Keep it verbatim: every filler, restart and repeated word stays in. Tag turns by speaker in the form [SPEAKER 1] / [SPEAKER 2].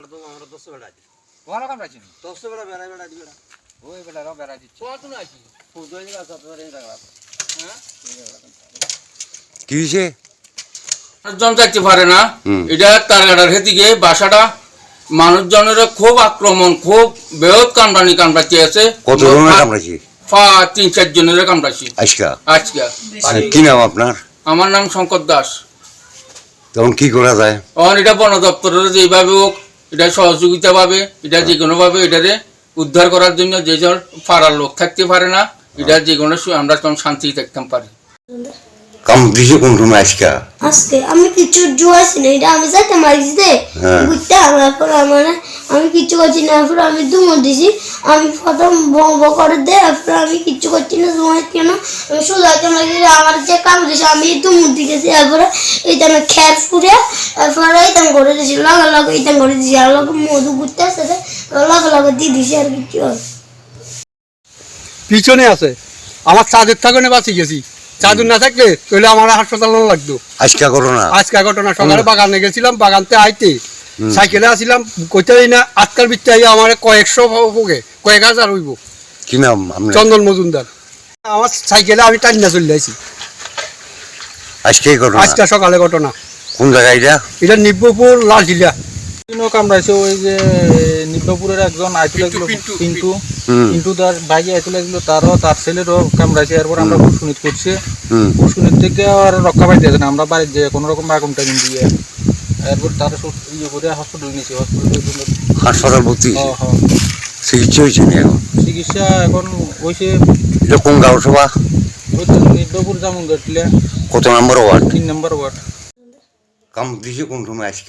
[SPEAKER 1] তো আমরা দশ বেড়া দিই
[SPEAKER 2] ওরা কামড়াইছি
[SPEAKER 1] দশ বেড়া বেড়া বেড়া দিই বেড়া
[SPEAKER 2] ওই বেলারও বেড়া দিচ্ছে
[SPEAKER 3] কত না আছি
[SPEAKER 1] ফুজো এই গাছ আপনার এই জায়গা
[SPEAKER 3] হ্যাঁ
[SPEAKER 4] কি হয়েছে?
[SPEAKER 3] জন যাইতে পারে না এটা তারগাটার হেদিকে বাসাটা মানুষজনের খুব আক্রমণ খুব বৃহৎ কামড়ানি কামড়াতে আছে
[SPEAKER 4] কত জনের কামড়াইছে?
[SPEAKER 3] পা তিন চার জনের কামড়াছি
[SPEAKER 4] আজকা
[SPEAKER 3] আজকে
[SPEAKER 4] কি নাম আপনার?
[SPEAKER 3] আমার নাম শঙ্কর দাস।
[SPEAKER 4] তখন কি করা যায়?
[SPEAKER 3] তখন এটা বন দপ্তরের যেভাবে হোক এটা সহযোগিতা পাবে এটা যে কোনো ভাবে এটারে উদ্ধার করার জন্য যে জন পাড়ার লোক থাকতে পারে না এটা যে কোনো আমরা তখন শান্তি থাকতাম পারি।
[SPEAKER 4] কামড়িছে কোন সময় আজকা?
[SPEAKER 5] আজকে আমি কিছু জুয়াছি না এটা আমি যাইতে মারিছি দে বুঝতে আমার পর আমার আমি কিছু করছি না এরপর আমি দুমো দিছি আমি প্রথম বঙ্গ করে দে এরপর আমি কিছু করছি না জুয়াই কেন আমি সোজাইতে মারি আমার যে কাম দিছে আমি দুমো দিয়েছি এরপরে এইটা আমি খের ফুরে এরপরে এইটা করে দিছি লাগা লাগা এইটা করে দিছি আর লোক মধু ঘুরতে আসে লাগা লাগা দিয়ে দিছি আর কিছু
[SPEAKER 6] পিছনে আছে আমার চাঁদের থাকনে বাঁচি গেছি চাদর না থাকলে তাহলে আমার হাসপাতালে লাগতো।
[SPEAKER 4] আজকা ঘটনা
[SPEAKER 6] আজকে ঘটনা সকালে বাগানে গেছিলাম বাগানতে আইতে সাইকেলে আসিলাম কইতেই না আজকাল বিচ্ছে আইয়া আমার কয়েকশো হোকে কয়েক হাজার হইব।
[SPEAKER 4] কি নাম আপনার?
[SPEAKER 6] চন্দন মজুমদার। আমার সাইকেলে আমি টান্না চলে আসি
[SPEAKER 4] আজকে ঘটনা?
[SPEAKER 6] আজকে সকালে ঘটনা।
[SPEAKER 4] কোন জায়গায় এটা?
[SPEAKER 6] এটা নিব্বপুর লালটিলা।
[SPEAKER 2] কামড়াইছে ওই যে নিব্বাপুরের একজন আইতুল এগুলো পিন্টু পিন্টু তার ভাই আইতুল এগুলো তারও তার ছেলেরও কামড়াইছে এরপর আমরা পুষ্কুনিত করছি পুষ্কুনিত থেকে আর রক্ষা পাইতে আছে না আমরা বাড়ির যে কোনো রকম আগুন টাগুন দিয়ে এরপর তার ইয়ে করে হসপিটাল নিয়েছি হসপিটালের জন্য
[SPEAKER 4] হাসপাতাল ভর্তি
[SPEAKER 2] হ্যাঁ হ্যাঁ
[SPEAKER 4] চিকিৎসা হয়েছে না এখন?
[SPEAKER 2] চিকিৎসা এখন হয়েছে
[SPEAKER 4] এটা কোন গাঁও সভা?
[SPEAKER 2] ওই তো নিব্বাপুর জামুন গাটলে
[SPEAKER 4] কত নম্বর ওয়ার্ড?
[SPEAKER 2] তিন নম্বর ওয়ার্ড।
[SPEAKER 4] কামড়িছে কোন সময় আজকে?